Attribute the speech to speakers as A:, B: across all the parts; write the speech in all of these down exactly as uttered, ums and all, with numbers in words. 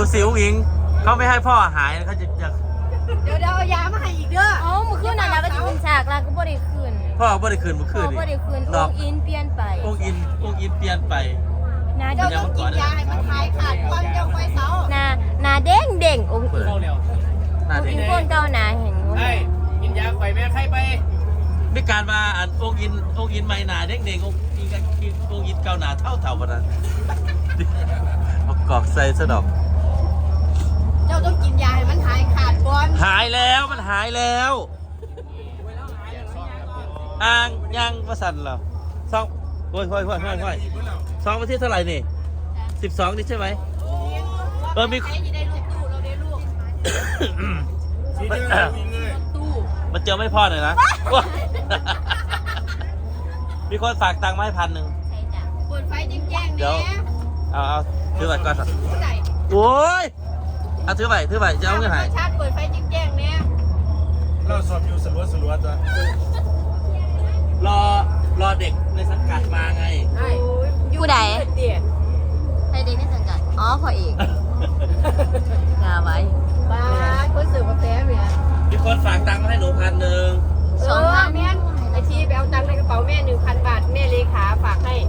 A: ดูสิอุ้งอิงเขาไม่ให้พ่อหายเขาจะจะ
B: เดี๋ยวเดี๋ยวเอายามาให้อีกเด้อ
C: อ๋อมือคืนน่ะนะก็จะเป็นฉากแล้วก็บ่ได้คืน
A: พ่อบ่ได้คืนเมื่อ
C: พ่
A: คื
C: อน
A: นี่
C: บ่ได้คืน
A: น
C: อ
A: อก
C: งอินเปลี่ยนไป
A: องค์อินองค์อินเปลี่ยนไป
C: หนา
B: เจ้า
C: เด้ง
B: ต้องกินยาให้มันหายขาดก่อนเจ้าไปเสา
C: หนาหนาเด้งเด้งองค์อิน
D: เข้าเร็ว
A: น่า
C: องค์
A: ดี
C: อินคนเก่าหนาเห็นบ่
D: ไอ้กินยาไข่แม่ไข่ไป
A: มีการมาอันองค์อินองค์อินไม่หนาเด็กๆองค์อินองค์อินเก่าหนาเท่าเท่าปะนั้นประกอบใส่ซะดอก
B: เจ้าต้องกินยาให้มันหายขาดก่อน
A: หายแล้วมันหายแล้วอ่างยังประสันเหรอสองโอ้ยโอ้ยโอ้ยโอ้ยโอ้ยสองวันที่เท่าไหร่นี่สิบสองนี่ใช่ไหมเออมี
B: ใครจะได้ลูกตู้เราได้ลูก
D: ชี้เด้อวิ่งเลย
B: ตู้
A: มันเจอไม่พอหน่อยนะว้ามีคนฝากตังค์มาให้พันหนึ่ง
C: ใช่จ้ะ
B: เปิดไฟแจ้งๆ
A: เดี๋ยว
B: เนี่ย
A: เอาเอาถือไว้ก่อนสัก
B: เท่าไหร่
A: โอ้ยเอาถือไว้ถือไว้จะเอาเงินหาย
B: ชาติเปิดไฟแจ้งๆเนี่ย
D: เราสอบอยู่สลัวสลัวตัว
A: รอรอเด็กในสังกัดมาไง
C: ผู้ใด
B: เตี๋ย
C: ใครเด็กในสังกัดอ๋อพ่อเอกงาไว้
B: บ้าคนสื่อกาแฟเนี่ย
A: มีคนฝากตังค์มาให้หนูพันหนึ่ง
B: เออแม่นไอชีไปเอาตังค์ในกระเป๋าแม่หนึ่งพันบาทแม่เลขาฝากให้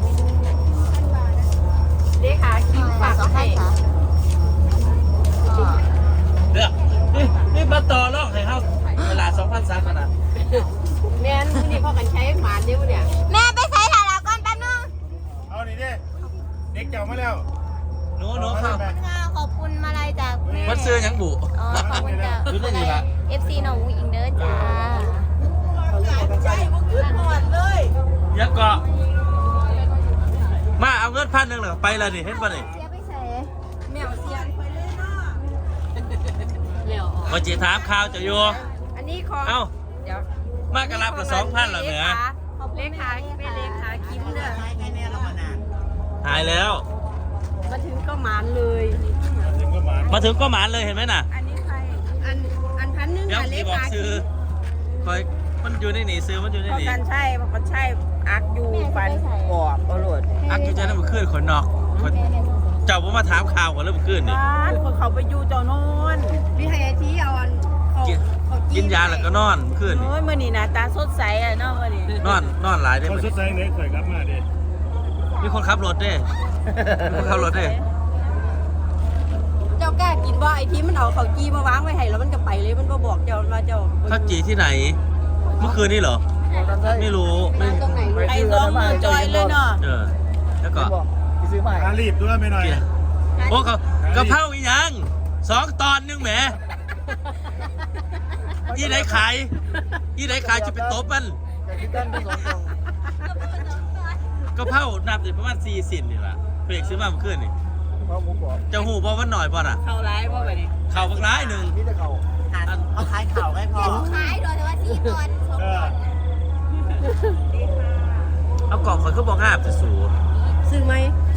B: เลขาคิมฝาก
C: สองพั
B: ให้
C: นค่ะอ๋อ
A: เดี๋ยวนี่นี่มาต่อรองให้เขาเวลาสองพันสามพันอ่ะ
B: แม่นมื้อนี่พ่อกันใช้หมานเดียวเนี่ย
C: แม่ไปใส่ถ่ายละก่อนแป๊บนึง
D: เอานี่ดิเด็กเจ้ามาแล้ว
A: หนูหนูเข้า
C: ค่ะขอบคุณมาลัยจากแม่
A: มันซื้อหยังบุ
C: อ๋อขอบคุณจ้ะ
A: รู้ได้ดีละ
C: เอฟซีน้องอุ้งอิงเด้อจ้า
B: ใช่พวกขึ้นหมดเลย
A: ยังเกาะมาเอาเงินพันหนึ่งเหรอไปเลยนี่เห็นป่ะนี่
C: เสียไปใส่
B: แมวเสียนไปเลยเนาะเร็ว
A: มาจีถามข่าวจะอยู่
B: อันนี้ของ
A: เอ้า
B: เดี๋ยว
A: มากระลับละสองพันเหรอเหนือ
B: เลขาเป็นเลขาคิมเด้อ
A: หายแล้ว
B: มาถึงก็หมานเลย
D: ถึงก็หมา
A: มาถึงก็หมานเลยเห็นไหมน่ะ
B: อันนี้ใครอันอันพันหนึง
A: เดี๋ยว
B: อ่ะเล
A: ที่บอก
B: ขา
A: ซื้อ
B: คิม
A: คอยมันอยู่ในหนีซื้อมันอยู่ใน
E: พอ
A: หนี
E: กันใช่พอกันใช่อักอยู่ฟันกรอบตลอด
A: อักอยู่ใจน้ำมันขึ้นขนนอกขนเจ้าผมมาถามข่าวก่อนแล้วมันขึ้นนี่
E: บ้านคนเขาไปอยู่เจ้าโน่น
B: วิทยาทีเอาอันเขา
A: กิน
B: เขา
A: กินยาแล้วก็นอนขึ้นนี่
E: โอ้ยมื่อนี้นะตาสดใสอ่ะเนาะมื่อนี้
A: นอนนอนหลายได้
D: เขา
A: ไหม
D: สุดใจเนี่ยเคยกลับมาดิ
A: มีคนขับรถเด้มีคนขับรถเด้
B: เจ้ากล้ากินว่าไอ้ทีมันเอาเขาจีมาวางไว้ให้แล้วมันก็ไปเลยมันก็บอกเจ้าว่าเจ้า
A: ข้าวจีที่ไหน เมื่อคืนนี้เหรอ ไม่รู้ไม่
B: ตรงไหน
E: ไอ้สองมือจอยเลยเนาะ
A: เออแล้วก็
D: อารีบด้วยไม่หน่อย
A: เกียร์โอ้กะกะเพราอีหยังสองตอนนึงแหมยี่ไหนขายยี่ไหนขายจะเป็นโต๊ะมันกะเพรานับอยู่ประมาณสี่สิบนี่แหละเปรกซื้อมาเมื่อคืนนี่จะหูบ่ว่าหน่อยบ่น่ะ
E: เข้าร้ายว่าไปนี่
A: เข่าบักร้ายหนึ่ง
F: เขาขายข่าวให้พอ
C: ขายโดยแต่ว่าสี่ตอนสอง
D: เอ
C: ต
D: อ
C: อน
A: เอากล่องคนเขาบอกห้าจะสูง
B: ซื้อไหม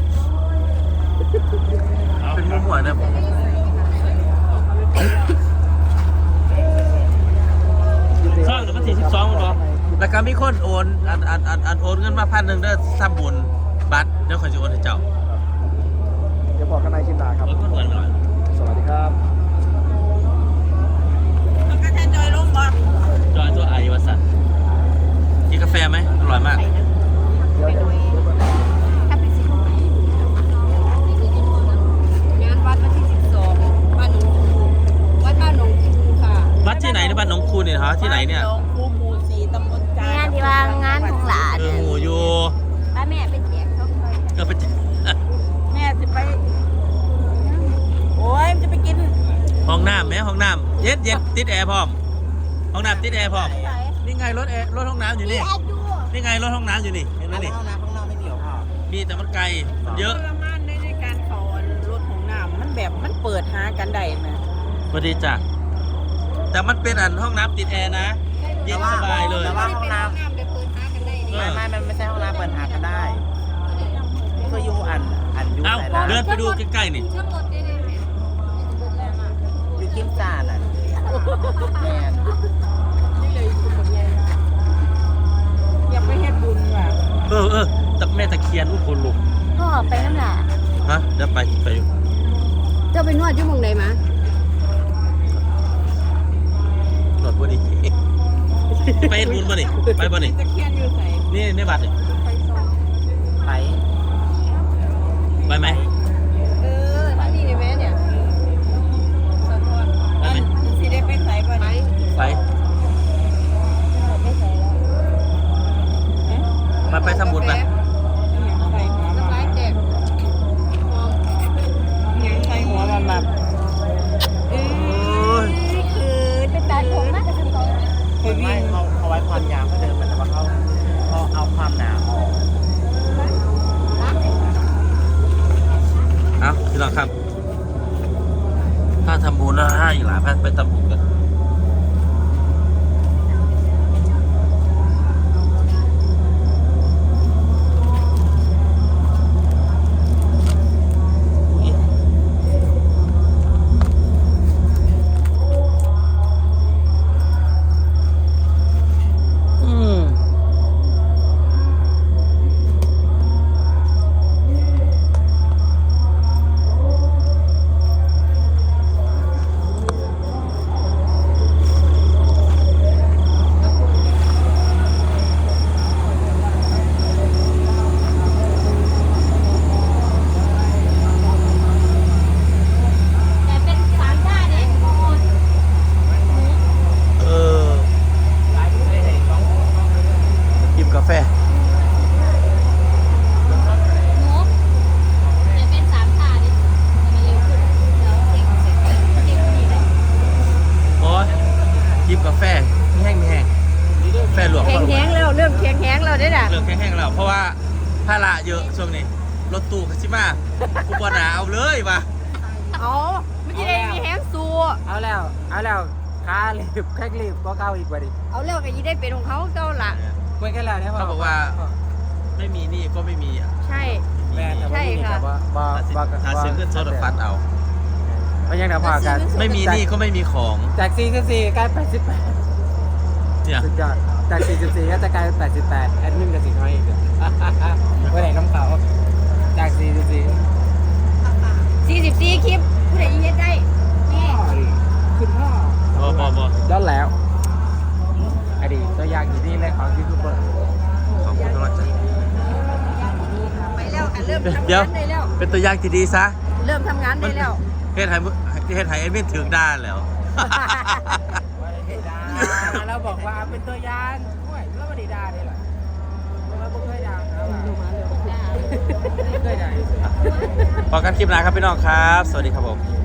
A: เป็นมุ้งหัวนะผมช่องหรือวันที่สิบสองมั้งบอกแล้วก็มีคนโอนอันอันอันอันโอนเงินมาพันหนึ่งเด้อทำบุญบัตรเดี๋ยวขอยจะโอนให้เจ้า
F: เดี๋ยวบอกกันในคลิปหน้าครับ
A: โอนคนหวนหน่อย
F: สวัสดีครับ
E: มันก็แทนจอยลงบ่
A: จอยตัวไอวสันกินกาแฟไหมอร่อยมาก
F: เดี๋ยวเดี๋ยวเดี๋ยวก่อน
B: งานวัดวันที่สิบสองบ้านหนองคูวัดบ้านหนองคูค่ะ
A: วัดที่ไหนในบ้านหนองคูเนี่ยฮะที่ไหนเนี่ย
E: ลงคูหมู่สี่ตำบลจาง
C: านที่ว่างานของหลาน
A: เออหมูอยู่
C: ป้าแม่เป็นแจกเขาคอย
A: เออไป
E: แม่จะไป โอ้ยมันจะไปกิน
A: ห้องน้ำไหมห้องน้ำเย็ดเย็ดติดแอร์พร้อมห้องน้ำติดแอร์พร้อม
C: ใส่
A: นี่ไงรถแอร์รถห้องน้ำอยู่นี่
C: แอดดู
A: นี่ไงรถห้องน้ำอยู่นี่เห็นไหมนี่
F: ห้องน้ำห้องน้ำไม่มีหรอพ่อ
A: มีแต่มันไกลมันเยอะ
E: ทรมานในในการเขารถของน้ำมันแบบมันเปิดหากันได้ไหม
A: พอดีจ้ะแต่มันเป็นอันห้องน้ำติดแอร์นะเย็นสบายเลย
F: แต่ว่าห้องน้
B: น้ำไปเปิดหากันได้
F: ำ
B: นี่
F: ไม่ไม่มันไม่ใช่ห้องน้ำเปิดหากันได้ก็อยู่อันอันอยู่
A: เอ้า
F: ไหนล่ะ
A: เดินไปดูใกล้ๆนี่
B: ช่างรถได้เลยแม่
F: อยู่กิมจานอ่ะแมน
B: นี่เลยคุณกับยาย
E: อยากไปเฮ็ดบุญว่ะ
A: เออเออตะแม่ตะเคียนอุคนลุก
C: พ่อไปน้ำหลา
A: ฮะเดี๋ยวไปไปอยู่
B: เจ้าไปนวดอยู่หมองใดมา
A: หลดบ่ดี ไปเฮ็ดบุญบ่นี่ไปบ่นี่
E: ตะเคียนอยู่ใส่
A: นี่ในบัตรนี่
E: ไฟซอง
F: ไป
A: ไปไหม
B: เออท่านนี่แม่เนี่ยสะท้อน
A: ไปไหม
E: สิได้ไปใส่บ่
B: ไป
E: นี่
A: ไป
B: ไม่ใส่แล้ว
A: ไปไปทำบุญไป
E: ใส่หัว
B: น้ำลายแตกหอม
E: ใส่หัวมันแบบ
B: เอ้ยคือเป็นตาผมมากกับทำตอน
E: ไป
F: ไม่
E: วิ่ง
F: เขาเขาไว้ความยาวเขาเดิมมันแต่ว่าเขาเขาเอาความหนาออก
A: เอาพี่น้องครับ ถ้าทำบุญแล้วให้หลานพาไปทำบุญกันอืม
C: แต่เป็นสามชาติเนี่ย
A: เออหยิบกาแฟ
C: หนูแต่เป็นสามชาติเนี่ยมันเร็วขึ้นแล้วเด็กเด็กเด็กเด็กคนนี้ได้
A: โอ้ยหยิบกาแฟไม่แห้งไม่แห้งแฟหลวง
B: แข็งแห้งแล้วเริ่มแข็งแห้งแล้วได้ด่ะ
A: เริ่มแห้งๆแล้วเพราะว่าภาระเยอะช่วงนี้รถตู้คัชิมากูบอหนาเอาเลยว่ะ
B: เอาไม่ใช่ได้มีแห้งสู
F: เอาแล้ว เอาแล้วขารีบแค่รีบก็เข้าอีกว่าดิ
B: เอาแล้วก็ยีได้เป็นของเขาเจ้าละ
F: คุยกันแล้วเนี่ย
A: เขาบอกว่า ไม่มีหนี่ก็ไม่มีอ่ะ
B: ใช่
F: แม่แต่ว่านี่แต่ว่าบ่บ่
A: หาซื้อเงินสดฟัดเอา
F: เพราะยังเดี๋ยวพอกัน
A: ไม่มีหนี่ก็ไม่มีของ
F: จากสี่สิบสี่กลายแปดสิบแปด
A: เนี่ย
F: สุดยอดจากสี่สิบสี่ก็จะกลายเป็นแปดสิบแปดแอดมินกับสี่น้อยอีกเดี๋ยววันไหนน้ำขาวจากสี่สิบสี่
B: สี่สิบสี่คลิปผู้ใดยิงเฮ็ดได้นี่
F: คุณพ่อ
A: บอบอบอ
F: ย้อนแล้วอดีตตัวอย่างอยู่นี่เลยของยูทูบเบอร์
A: ขอบคุณทุกท่านจ้ะ
B: ไปแล้วค่ะเริ่มทำ
A: เดี๋ยว
B: งานได้แล้ว
A: เป็นตัวอย่างที่ดีซะ
B: เริ่มทำงานได้แล้ว
A: เฮ็ดไห้เฮ็ดไห้เอ็มนถึงด้านแล้ว
F: เราบอกว่าเป็นตัวอย่างด้วยแล้วมาดีดาเนี่ยแหละเราไม่เคยด่าครับไม่เคยด่า
A: พอกันคลิปหน้าครับพี่น้องครับ สวัสดีครับผม